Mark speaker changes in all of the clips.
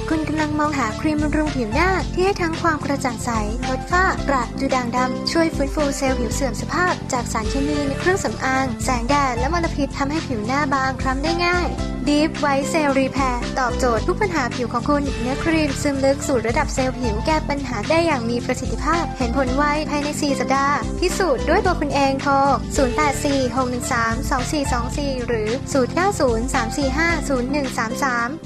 Speaker 1: คุณกำลังมองหาครีมบำรุงผิวหน้าที่ให้ทั้งความกระจ่างใสลดฝ้ากระดูด่างดำช่วยฟื้นฟูเซลล์ผิวเสื่อมสภาพจากสารเคมีในเครื่องสำอางแสงแดดและมลพิษทำให้ผิวหน้าบางคล้ำได้ง่าย Deep White Cell Repair ตอบโจทย์ทุกปัญหาผิวของคุณเนื้อครีมซึมลึกสู่ระดับเซลล์ผิวแก้ปัญหาได้อย่างมีประสิทธิภาพเห็นผลไวภายใน 4 สัปดาห์พิสูจน์ด้วยตัวคุณเองโทร 0846132424 หรือ 0903450133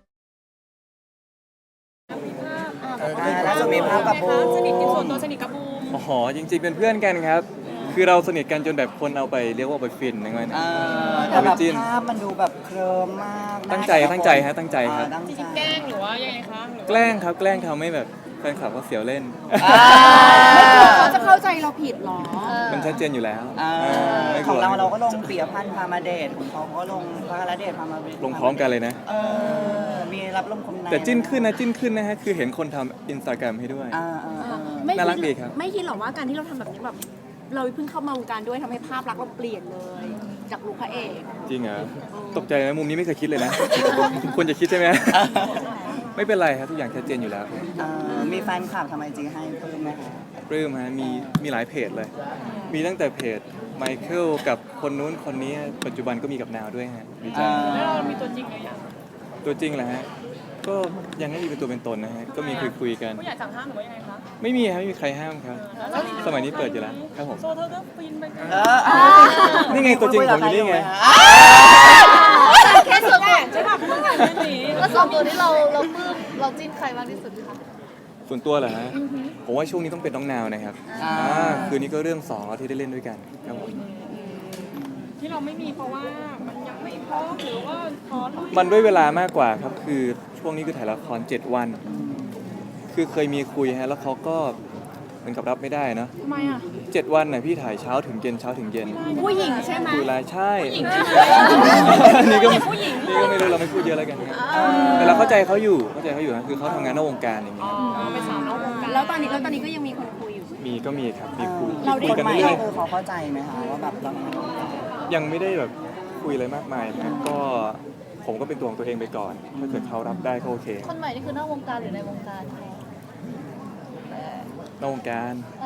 Speaker 2: แล้วจะมีภาพกับบูม
Speaker 3: สนิทกันส่วนตัวสนิทกับบูม
Speaker 4: อ๋อจริงๆเป็นเพื่อนกันครับ คือเราสนิทกันจนแบบคนเอาไปเรียกว่าไปฟินนะงั้น
Speaker 2: แต่แบบภาพมันดูแบบเคลิ้มมาก
Speaker 4: ตั้งใจฮะตั้งใจครับ
Speaker 3: จริงๆแกล้งหรือว่ายังไงคะหรือว่า
Speaker 4: แกล้งครับแกล้งทำให้แบบแฟนคลับเขาเสียวเล่น
Speaker 3: เขาจะเข้าใจเราผิดหรอ
Speaker 4: มันชัดเจนอยู่แล้วไม่ก
Speaker 2: ข
Speaker 4: ลั
Speaker 2: อง
Speaker 4: ว
Speaker 2: เราก็ลงเปียพันธ์พามาเดทของเขาก็ลงพระเดชพามาเดท
Speaker 4: ลงพร้อมกันเลยนะ
Speaker 2: มีรับลมคมใน
Speaker 4: แต่จิ้นขึ้นนะฮะคือเห็นคนทำ Instagram ให้ด้วย น่ารักดีครับ
Speaker 3: ไม่คิดหรอกว่าการที่เราทำแบบนี้แบบเราเพิ่งเข้ามาวงการด้วยทำให้ภาพลักษณ์เราเปลี่ยนเลย จากลุคพระเอก
Speaker 4: จริงเหรอตกใจนะมุมนี้ไม่เคยคิดเลยนะ ควรจะคิดใช่ไหม ไม่เป็นไรครับทุกอย่างชัดเจนอยู่แล้ว
Speaker 2: มีแฟนคลับทำไอจีให้เพิ่มไหมคะ
Speaker 4: ปลื้มฮะมีหลายเพจเลย มีตั้งแต่เพจไมเคิลกับคนนู้นคนนี้ปัจจุบันก็มีกับนาวด้วยฮะดีใจ
Speaker 3: แล้วเรามีตัวจริงหรือยัง
Speaker 4: ตัวจริงแหละฮะก็ยังไม่มีเป็นตัวเป็นตนนะฮะก็มีคุยกัน
Speaker 3: ผู้ใหญ่สั่งห้ามหรือว่ายังไงคะ
Speaker 4: ไม่มีครับไม่มีใครห้ามครับ สมัยนี้เปิดอยู่แล้วครับผม
Speaker 3: โซเธอก็ฟินไปกัน
Speaker 4: นี่ไงตัวจริงผมอยู่นี่ไง
Speaker 3: แค่ส่วนแหวนใช่ป่ะเพิ่งงานเรื่องนี้
Speaker 5: แล้วส่วนตัวที่เราปลื้มเราจิ้นใครมากที่สุดคะ
Speaker 4: ส่วนตัวเหรอฮะผมว่าช่วงนี้ต้องเป็นน้องนาวนะครับคืนนี้ก็เรื่อง2แล้วที่ได้เล่นด้วยกันครับผม
Speaker 3: ที่เราไม่มีเพราะว่ามันยังไม่พร้อมหรือว่าพร้อม
Speaker 4: มันด้วยเวลามากกว่าครับคือช่วงนี้คือถ่ายละคร7 วัน คือเคยมีคุยฮะแล้วเขาก็เหมือนกับรับไม่ได้เนอะ
Speaker 3: ทำไมอ่ะ
Speaker 4: 7 วันน่ะพี่ถ่ายเช้าถึงเย็นเช้าถึงเย็น
Speaker 3: ผู้หญิงใช่ไหม
Speaker 4: คือรายใช่
Speaker 3: ผู้หญิง
Speaker 4: นี่ก็
Speaker 3: ผู้หญิง
Speaker 4: นี่ก็ไม่รู้เราไม่พูดเยอะแล้วกันครับแต่เราเข้าใจเขาอยู่นะคือเขาทำงานนอกวงการอย่างเงี้ย
Speaker 3: เป็นสาวนอกวงการแล้วตอนนี้ก็ยังมีคนคุยอยู่
Speaker 4: ก็มีครับมีคุย
Speaker 3: เราได้
Speaker 4: คุยกัน
Speaker 2: ใหม่
Speaker 4: เรื่อย
Speaker 2: คือเขาเข้าใจไหมคะว่าแบบเรา
Speaker 4: ๆยังไม่ได้แบบคุยอะไรมากมายนะก็ผมก็เป็นตัวของตัวเองไปก่อน ถ้าเกิดเขารับได้ก็โอเค
Speaker 5: คนใหม่นี่คือนอกวงการหรือในวงการคะ
Speaker 4: นอกวงการ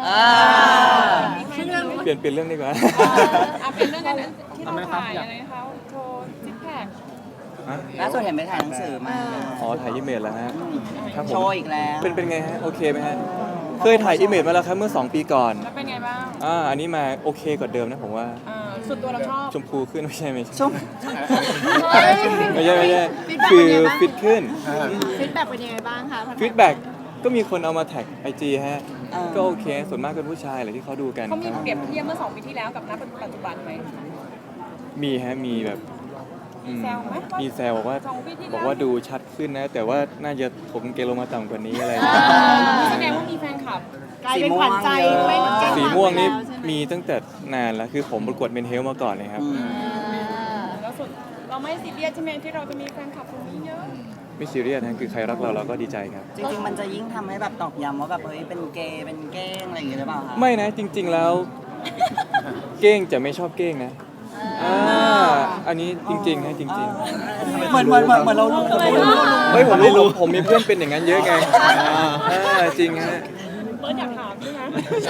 Speaker 3: เรื่อง
Speaker 4: เปลี่ยนเรื่องดีกว่า
Speaker 3: เป็นเรื่องนั้นที่เราถ่ายอะไรคะโชว์ซิกแพค
Speaker 2: ล่าสุดเห็นไปถ่ายหนังสือมา
Speaker 4: อ๋อถ่ายอิเมจแล้วฮะครับผม
Speaker 2: โชว์อีกแล้ว
Speaker 4: เป็นไงฮะโอเคไหมฮะเคยถ่ายอิเมจมาแล้วครับเมื่อ2 ปีก่อน
Speaker 3: แล้วเป็นไงบ้าง
Speaker 4: อันนี้มาโอเคกว่าเดิมนะผมว่า
Speaker 3: สุดตัวเราชอบ
Speaker 4: ชมพูขึ้นไม่ใช่
Speaker 2: ชุ่ม
Speaker 4: ไม่ใช่คือฟิตขึ้น
Speaker 3: ฟีดแบ็กเป็นยังไงบ้างคะ
Speaker 4: ฟีดแบ็กก็มีคนเอามาแท็กไอจีฮะก็โอเคส่วนมากเป็นผู้ชายแหละที่เขาดูกัน
Speaker 3: เขามีเปรียบเทียบเมื่อ2 ปีที่แล้วกับณปัจจุบันไหม
Speaker 4: มีฮะมีแบบอืม
Speaker 3: แซวไหม
Speaker 4: มีแซวบอกว่า
Speaker 3: 2 ปีที่แล้ว
Speaker 4: บอกว่าดูชัดขึ้นนะ แต่ว่าน่าจะผมเกลลงมาต่ำกว่านี้อะไร
Speaker 3: แสดงว่ามีแฟนคลับ
Speaker 2: สีม่วงเยอะ
Speaker 4: สีม่วงนี่มีตั้งแต่นานแล้วคือผมประกวดเมนเฮลมาก่อนเลยครับ
Speaker 3: แล้วสุดเราไม่ซีเรียสใช่ไหมที่เราจะมีแฟนคลับคนนี้เยอะ
Speaker 4: ไม่ซีเรียสนะคือใครรักเราก็ดีใจครับ
Speaker 2: จริงๆมันจะยิ่งทำให้แบบตอกย้ำว่าแบบเฮ้ยเป็นเกย์เป็นเก้งอะไรอย่างเงี้ยหรือเปล่าคะ
Speaker 4: ไม่นะจริง ๆแล้ว เก้งจะไม่ชอบเก้งนะอันนี้จริงๆนะจริงๆ
Speaker 2: เหมือนเรารู้
Speaker 4: เฮ้ยผมรู้ผมมีเพื่อนเป็นอย่างนั้นเยอะไงจริงฮะ
Speaker 3: เบิร์ดอยากถามด้วยนะ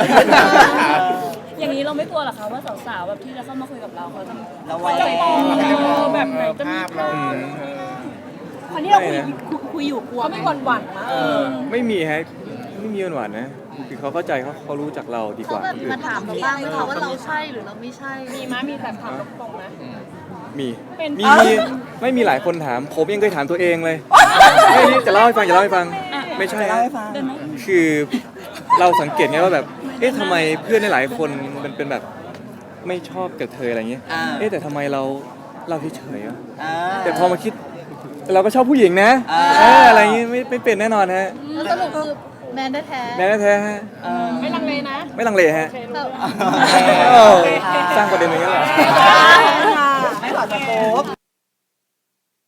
Speaker 5: อย่างนี้เราไม่กลัวหรอคะว่าสาวๆแบบที่จะเข้ามาคุยกับเราเขาจะ
Speaker 2: เราไว้
Speaker 3: จะมองแบบไหนจะมีภาพคนที่เราคุยอยู่กลัวไม่หวั่นๆนะ
Speaker 4: ไม่มีฮะไม่มีหวานๆนะคือเขาเข้าใจเขารู้จักเราดีก
Speaker 5: เขา
Speaker 4: ว่า
Speaker 5: แบบ
Speaker 4: คนอื่
Speaker 5: มาน ถามเราบ้างไหมคะว่าเราใช่หรือเราไม่ใช่
Speaker 3: มีมั้ยมีแบบถามตรงๆนะ
Speaker 4: มี
Speaker 3: เป็น
Speaker 4: ไม่มีหลายคนถาม ผมยังเคยถามตัวเองเลยไม่นี่จะเล่าให้ฟังไม่ใช่
Speaker 2: เล่า
Speaker 4: ฮะ
Speaker 2: ให้ฟัง
Speaker 4: คือเราสังเกตไงว่าแบบเอ๊ะทำไมเพื่อนหลายๆคนมันเป็นแบบไม่ชอบกับเธออะไรเงี้ยเอ๊ะแต่ทำไมเราเฉยๆอะแต่พอมาคิดเราก็ชอบผู้หญิงนะอะไรอย่างงี้ไม่เป็นแน่นอนฮะ
Speaker 5: สรุปคือแมนแท้
Speaker 4: แน่แท้ๆฮะ
Speaker 3: ไม่ลังเลนะ
Speaker 4: ไม่ลังเลฮะ
Speaker 5: ๆแต่
Speaker 4: สร้างประเด็นอย่างนี้เหรอ
Speaker 2: ไม่ขอสโคป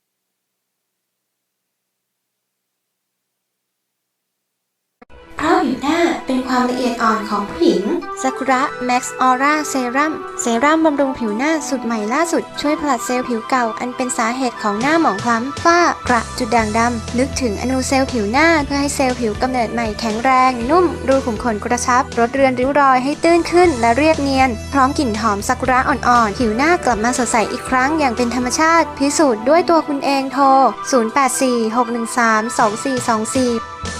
Speaker 1: เพราะผิววหน้าเป็นความละเอียดอ่อนของผู้หญิงซากุระแม็กซ์ออร่าเซรั่มบำรุงผิวหน้าสุดใหม่ล่าสุดช่วยผลัดเซลล์ผิวเก่าอันเป็นสาเหตุของหน้าหมองคล้ำฝ้ากระจุดด่างดำลึกถึงอนูเซลล์ผิวหน้าเพื่อให้เซลล์ผิวกำเนิดใหม่แข็งแรงนุ่มรูขุมขนกระชับลดเรือนริ้วรอยให้ตื้นขึ้นและเรียบเนียนพร้อมกลิ่นหอมซากุระอ่อนๆผิวหน้ากลับมาสดใสอีกครั้งอย่างเป็นธรรมชาติพิสูจน์ด้วยตัวคุณเองโทร 0846132424